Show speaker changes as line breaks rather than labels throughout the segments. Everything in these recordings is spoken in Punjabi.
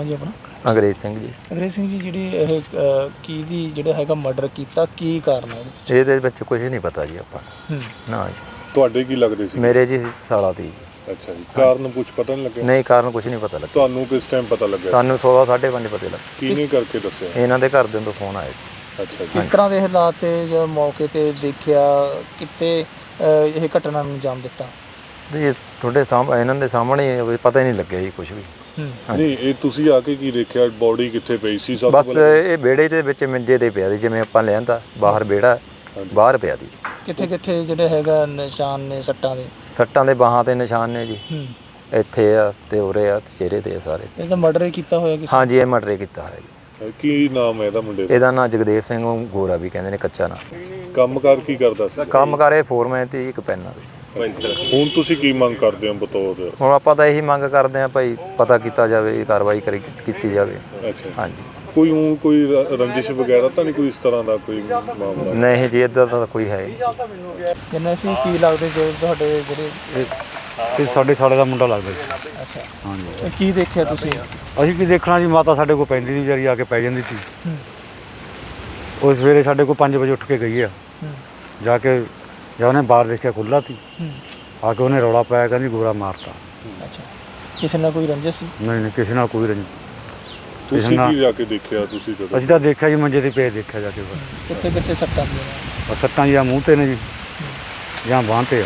ਨਾਮ ਜੀ ਆਪਣਾ?
ਅੰਗਰੇਜ਼ ਸਿੰਘ ਜੀ।
ਅੰਗਰੇਜ਼ ਸਿੰਘ ਜੀ, ਜਿਹੜੀ ਇਹ ਕੀ ਦੀ ਜਿਹੜਾ ਹੈਗਾ ਮਰਡਰ ਕੀਤਾ, ਕੀ ਕਾਰਨ ਹੈ
ਇਹਦੇ ਵਿੱਚ ਕੁਝ ਨਹੀਂ ਪਤਾ ਜੀ ਆਪਾਂ ਨਾ ਜੀ।
ਤੁਹਾਡੇ ਕੀ ਲੱਗਦੇ ਸੀ?
ਮੇਰੇ ਜੀ ਸਾਲਾ ਦੀ।
ਅੱਛਾ ਜੀ। ਕਾਰਨ ਕੁਝ ਪਤਾ ਨਹੀਂ ਲੱਗਿਆ?
ਨਹੀਂ, ਕਾਰਨ ਕੁਝ ਨਹੀਂ ਪਤਾ ਲੱਗਿਆ।
ਤੁਹਾਨੂੰ ਕਿਸ ਟਾਈਮ ਪਤਾ ਲੱਗਿਆ?
ਸਾਨੂੰ 16 5:30 ਪਤਾ ਲੱਗਾ।
ਕਿਹਨੇ ਕਰਕੇ ਦੱਸਿਆ?
ਇਹਨਾਂ ਦੇ ਘਰਦਿਆਂ ਤੋਂ ਫੋਨ ਆਇਆ।
ਅੱਛਾ ਜੀ।
ਕਿਸ ਤਰ੍ਹਾਂ ਦੇ ਹਾਲਾਤ ਤੇ ਜਾਂ ਮੌਕੇ ਤੇ ਦੇਖਿਆ ਕਿਤੇ ਇਹ ਘਟਨਾ ਨੂੰ ਅੰਜਾਮ ਦਿੱਤਾ?
ਜੀ ਤੁਹਾਡੇ ਸਾਹਮਣੇ, ਇਹਨਾਂ ਦੇ ਸਾਹਮਣੇ ਪਤਾ ਹੀ ਨਹੀਂ ਲੱਗਿਆ ਜੀ ਕੁਝ ਵੀ।
ਨਹੀਂ, ਇਹ ਤੁਸੀਂ ਆ ਕੇ ਕੀ ਦੇਖਿਆ? ਬੋਡੀ ਕਿੱਥੇ ਪਈ ਸੀ? ਸਭ
ਬਸ ਇਹ ਵਿਹੜੇ ਦੇ ਵਿੱਚ ਮੰਜੇ ਤੇ ਪਿਆ ਸੀ, ਜਿਵੇਂ ਆਪਾਂ ਲਿਆਂਦਾ ਬਾਹਰ ਵਿਹੜਾ, ਬਾਹਰ ਪਿਆ ਸੀ।
ਕਿੱਥੇ ਕਿੱਥੇ ਜਿਹੜੇ ਹੈਗਾ ਨਿਸ਼ਾਨ ਨੇ ਸੱਟਾਂ ਦੇ?
ਸੱਟਾਂ ਦੇ ਬਾਹਾਂ ਤੇ ਨਿਸ਼ਾਨ ਨੇ ਜੀ, ਇੱਥੇ ਆ ਤੇ ਉਰੇ ਆ ਤੇ ਚਿਹਰੇ ਤੇ ਆ ਸਾਰੇ।
ਇਹ ਤਾਂ ਮਰਡਰ ਹੀ ਕੀਤਾ ਹੋਇਆ ਕਿਸੇ?
ਹਾਂਜੀ, ਇਹ ਮਰਡਰ ਕੀਤਾ ਹੋਇਆ ਜੀ।
ਕੀ ਨਾਮ ਹੈ ਇਹਦਾ ਮੁੰਡੇ ਦਾ?
ਇਹਦਾ ਨਾਂ ਜਗਦੇਵ ਸਿੰਘ ਗੋਰਾ ਵੀ ਕਹਿੰਦੇ ਨੇ, ਕੱਚਾ ਨਾਂ।
ਕੰਮਕਾਰ ਕੀ ਕਰਦਾ ਸੀ?
ਕੰਮ ਕਰੇ ਫੋਰਮੈਨ ਤੇ ਇੱਕ ਪੈਨਾਂ ਦੇ।
ਹੁਣ ਤੁਸੀਂ ਕੀ ਮੰਗ ਕਰਦੇ ਹੋ ਬਤੌਰ?
ਹੁਣ ਆਪਾਂ ਤਾਂ ਇਹੀ ਮੰਗ ਕਰਦੇ ਹਾਂ ਭਾਈ, ਪਤਾ ਕੀਤਾ ਜਾਵੇ, ਕਾਰਵਾਈ ਕੀਤੀ ਜਾਵੇ।
ਅੱਛਾ।
ਹਾਂਜੀ।
ਕੋਈ ਰੰਜਿਸ਼ ਵਗੈਰਾ ਤਾਂ ਨਹੀਂ, ਕੋਈ ਇਸ ਤਰ੍ਹਾਂ ਦਾ ਕੋਈ ਮਾਮਲਾ?
ਨਹੀਂ ਜੀ, ਇੱਦਾਂ ਦਾ ਕੋਈ ਹੈ ਨਹੀਂ।
ਜਿੰਨਾ ਸੀ ਕੀ ਲੱਗਦੇ ਜੋ ਤੁਹਾਡੇ ਜਿਹੜੇ?
ਇਹ ਸਾਡੇ ਸਾਲੇ ਦਾ ਮੁੰਡਾ ਲੱਗਦਾ ਸੀ।
ਅੱਛਾ।
ਹਾਂਜੀ।
ਕੀ ਦੇਖਿਆ ਤੁਸੀਂ?
ਅਸੀਂ ਕੀ ਦੇਖਣਾ ਜੀ, ਮਾਤਾ ਸਾਡੇ ਕੋਲ ਪੈਂਦੀ ਸੀ, ਵਿਚਾਰੀ ਆ ਕੇ ਪੈ ਜਾਂਦੀ ਸੀ। ਉਹ ਸਵੇਰੇ ਸਾਡੇ ਕੋਲ 5 ਵਜੇ ਉੱਠ ਕੇ ਗਈ ਆ, ਜਾ ਕੇ ਜਦ ਉਹਨੇ ਬਾਹਰ ਦੇਖਿਆ ਖੁੱਲ੍ਹਾ ਸੀ, ਆ ਕੇ ਉਹਨੇ ਰੌਲਾ ਪਾਇਆ, ਕਹਿੰਦੀ ਗੋਰਾ ਮਾਰਤਾ।
ਅੱਛਾ। ਕਿਸੇ ਨਾਲ ਕੋਈ ਰੰਜਿਸ਼ ਸੀ?
ਨਹੀਂ, ਕਿਸੇ ਨਾਲ ਕੋਈ ਰੰਜਿਸ਼।
ਤੁਸੀਂ ਕੀ ਜਾ ਕੇ ਦੇਖਿਆ? ਤੁਸੀਂ ਜਦੋਂ?
ਅਸੀਂ ਤਾਂ ਦੇਖਿਆ ਜੀ, ਮੰਜੇ 'ਤੇ ਪਏ ਦੇਖਿਆ ਜਾ ਕੇ।
ਕਿੱਥੇ ਕਿੱਥੇ ਸੱਟਾਂ ਦੀਆਂ?
ਸੱਟਾਂ ਜੀ ਆ ਮੂੰਹ 'ਤੇ ਨੇ ਜੀ, ਜਾਂ ਬਾਂਹ 'ਤੇ ਆ।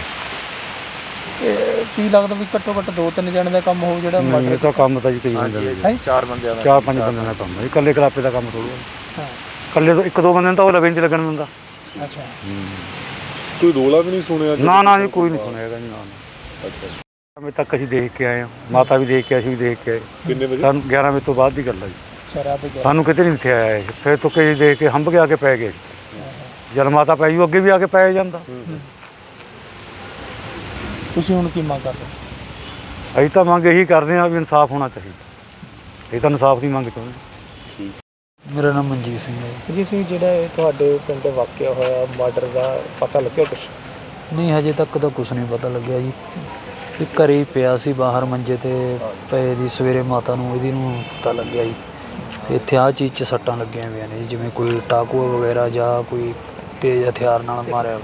ਕੀ ਲੱਗਦਾ ਵੀ ਘੱਟੋ ਘੱਟ 2-3 ਜਣੇ ਦਾ ਕੰਮ ਹੋਊ ਜਿਹੜਾ ਮਰਡਰ?
ਇਹ ਤਾਂ ਕੰਮ ਤਾਂ ਜੀ ਕਈ ਬੰਦੇ ਦਾ,
4 ਬੰਦਿਆਂ ਦਾ,
4-5 ਬੰਦਿਆਂ ਦਾ ਕੰਮ ਹੈ ਜੀ। ਇਕੱਲੇ ਕਲਾਪੇ ਦਾ ਕੰਮ ਥੋੜ੍ਹਾ।
ਹਾਂ।
ਇਕੱਲੇ ਤੋਂ 1-2 ਬੰਦੇ ਨੂੰ ਤਾਂ ਉਹ ਲਵੇ ਨਹੀਂ ਲੱਗਣ ਦਿੰਦਾ।
ਅੱਛਾ।
ਕੋਈ ਰੋਲਾ ਵੀ ਨਹੀਂ ਸੁਣਿਆ?
ਨਾ ਜੀ, ਕੋਈ ਨਹੀਂ ਸੁਣਿਆ ਹੈਗਾ ਜੀ। ਨਾ।
ਅੱਛਾ।
ਅਜੇ ਤੱਕ ਅਸੀਂ ਦੇਖ ਕੇ ਆਏ ਹਾਂ, ਮਾਤਾ ਵੀ ਦੇਖ ਕੇ, ਅਸੀਂ ਵੀ ਦੇਖ ਕੇ ਆਏ।
ਕਿੰਨੇ ਵਜੇ?
ਸਾਨੂੰ 11 ਵਜੇ ਤੋਂ ਬਾਅਦ ਦੀ ਗੱਲ ਹੈ ਜੀ। ਸਾਨੂੰ ਕਿਤੇ ਨਹੀਂ ਇੱਥੇ ਆਇਆ। ਫਿਰ ਤੋਂ ਕਈ ਦੇਖ ਕੇ ਹੰਭ ਕੇ ਆ ਕੇ ਪੈ ਗਏ। ਜਦ ਮਾਤਾ ਪੈ ਜੂ ਅੱਗੇ ਵੀ ਆ ਕੇ ਪੈ ਜਾਂਦਾ।
ਤੁਸੀਂ ਹੁਣ ਕੀ ਮੰਗ ਕਰਦੇ?
ਅਸੀਂ ਤਾਂ ਮੰਗ ਇਹੀ ਕਰਦੇ ਹਾਂ ਵੀ ਇਨਸਾਫ ਹੋਣਾ ਚਾਹੀਦਾ। ਇਹ ਤਾਂ ਇਨਸਾਫ ਦੀ ਮੰਗ ਚਾਹੁੰਦੇ।
ਮੇਰਾ ਨਾਮ ਮਨਜੀਤ ਸਿੰਘ ਹੈ
ਜੀ। ਸਿੰਘ ਜਿਹੜਾ ਇਹ ਤੁਹਾਡੇ ਪਿੰਡ ਵਾਕਿਆ ਹੋਇਆ ਮਰਡਰ ਦਾ ਪਤਾ ਲੱਗਿਆ ਕੁਛ?
ਨਹੀਂ, ਹਜੇ ਤੱਕ ਤਾਂ ਕੁਛ ਨਹੀਂ ਪਤਾ ਲੱਗਿਆ ਜੀ। ਇਹ ਘਰੇ ਹੀ ਪਿਆ ਸੀ ਬਾਹਰ ਮੰਜੇ 'ਤੇ ਪਏ ਦੀ, ਸਵੇਰੇ ਮਾਤਾ ਨੂੰ ਇਹਦੀ ਨੂੰ ਪਤਾ ਲੱਗਿਆ ਜੀ। ਅਤੇ ਇੱਥੇ ਆਹ ਚੀਜ਼ 'ਚ ਸੱਟਾਂ ਲੱਗੀਆਂ ਹੋਈਆਂ ਨੇ ਜੀ, ਜਿਵੇਂ ਕੋਈ ਟਾਕੂ ਵਗੈਰਾ ਜਾਂ ਕੋਈ ਤੇਜ਼ ਹਥਿਆਰ ਨਾਲ ਮਾਰਿਆ।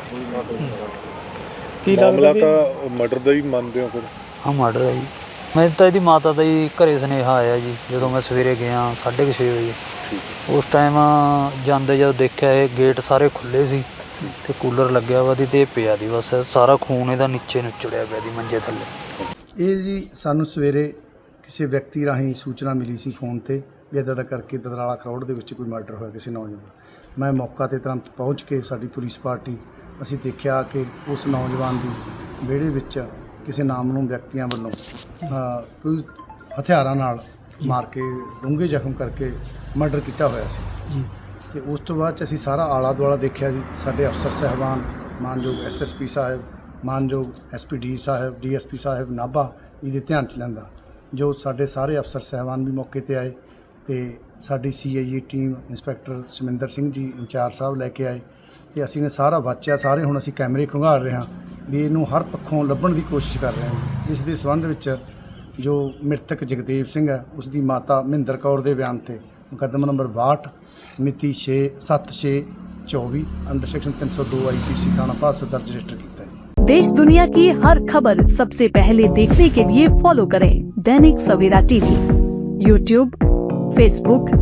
ਕੀ
ਮਾਮਲਾ ਤਾਂ ਮਰਡਰ ਦਾ ਹੀ ਮੰਨਦੇ ਹੋ ਫਿਰ?
ਹਾਂ, ਮਰਡਰ ਹੈ ਜੀ। ਮੈਂ ਤਾਂ ਇਹਦੀ ਮਾਤਾ ਦਾ ਹੀ ਘਰੇ ਸੁਨੇਹਾ ਆਇਆ ਜੀ, ਜਦੋਂ ਮੈਂ ਸਵੇਰੇ ਗਿਆ 6:30 ਵਜੇ। ਉਸ ਟਾਈਮ ਜਾਂਦੇ ਜਦੋਂ ਦੇਖਿਆ ਇਹ ਗੇਟ ਸਾਰੇ ਖੁੱਲ੍ਹੇ ਸੀ ਅਤੇ ਕੂਲਰ ਲੱਗਿਆ ਵਾ ਦੀ, ਅਤੇ ਇਹ ਪਿਆ ਦੀ ਬਸ ਸਾਰਾ ਖੂਨ ਇਹਦਾ ਨੀਚੇ ਨੁੱਚੜਿਆ ਪਿਆ ਦੀ ਮੰਜੇ ਥੱਲੇ।
ਇਹ ਜੀ ਸਾਨੂੰ ਸਵੇਰੇ ਕਿਸੇ ਵਿਅਕਤੀ ਰਾਹੀਂ ਸੂਚਨਾ ਮਿਲੀ ਸੀ ਫੋਨ 'ਤੇ ਵੀ ਇੱਦਾਂ ਦਾ ਕਰਕੇ ਦਦਰਾਲਾ ਖਰੋੜ ਦੇ ਵਿੱਚ ਕੋਈ ਮਰਡਰ ਹੋਇਆ ਕਿਸੇ ਨੌਜਵਾਨ। ਮੈਂ ਮੌਕਾ 'ਤੇ ਤੁਰੰਤ ਪਹੁੰਚ ਕੇ, ਸਾਡੀ ਪੁਲਿਸ ਪਾਰਟੀ, ਅਸੀਂ ਦੇਖਿਆ ਕਿ ਉਸ ਨੌਜਵਾਨ ਦੀ ਵਿਹੜੇ ਵਿੱਚ ਕਿਸੇ ਨਾਮਨੂ ਵਿਅਕਤੀਆਂ ਵੱਲੋਂ ਕੋਈ ਹਥਿਆਰਾਂ ਨਾਲ ਮਾਰ ਕੇ ਡੂੰਘੇ ਜ਼ਖਮ ਕਰਕੇ ਮਰਡਰ ਕੀਤਾ ਹੋਇਆ ਸੀ ਜੀ। ਅਤੇ ਉਸ ਤੋਂ ਬਾਅਦ 'ਚ ਅਸੀਂ ਸਾਰਾ ਆਲਾ ਦੁਆਲਾ ਦੇਖਿਆ ਜੀ। ਸਾਡੇ ਅਫਸਰ ਸਾਹਿਬਾਨ, ਮਾਨਯੋਗ SSP ਸਾਹਿਬ, ਮਾਨਯੋਗ SPD ਸਾਹਿਬ, DSP ਸਾਹਿਬ ਨਾਭਾ ਇਹਦੇ ਧਿਆਨ 'ਚ ਲੈਂਦਾ, ਜੋ ਸਾਡੇ ਸਾਰੇ ਅਫਸਰ ਸਾਹਿਬਾਨ ਵੀ ਮੌਕੇ 'ਤੇ ਆਏ, ਅਤੇ ਸਾਡੀ CIA team inspector Saminder Singh ji incharge ਸਾਹਿਬ ਲੈ ਕੇ ਆਏ, ਅਤੇ ਅਸੀਂ ਨੇ ਸਾਰਾ ਵਾਚਿਆ। ਸਾਰੇ ਹੁਣ ਅਸੀਂ ਕੈਮਰੇ ਖੰਗਾਲ ਰਹੇ ਹਾਂ ਵੀ ਇਹਨੂੰ ਹਰ ਪੱਖੋਂ ਲੱਭਣ ਦੀ ਕੋਸ਼ਿਸ਼ ਕਰ ਰਹੇ ਹਾਂ। ਇਸ ਦੇ ਸੰਬੰਧ ਵਿੱਚ ਜੋ ਮ੍ਰਿਤਕ ਜਗਦੇਵ ਸਿੰਘ ਹੈ, ਉਸ ਦੀ ਮਾਤਾ ਮਹਿੰਦਰ ਕੌਰ ਦੇ ਬਿਆਨ 'ਤੇ ਮੁਕੱਦਮਾ ਨੰਬਰ 62 ਮਿਤੀ 7/6/24 ਅੰਡਰ ਸੈਕਸ਼ਨ 302 IPC थाना पास दर्ज रजिस्टर किया है।
देश दुनिया की हर खबर सबसे पहले देखने के लिए फॉलो करें Dainik Savera TV, YouTube, Facebook,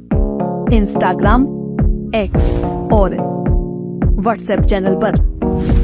Instagram, X और WhatsApp चैनल पर।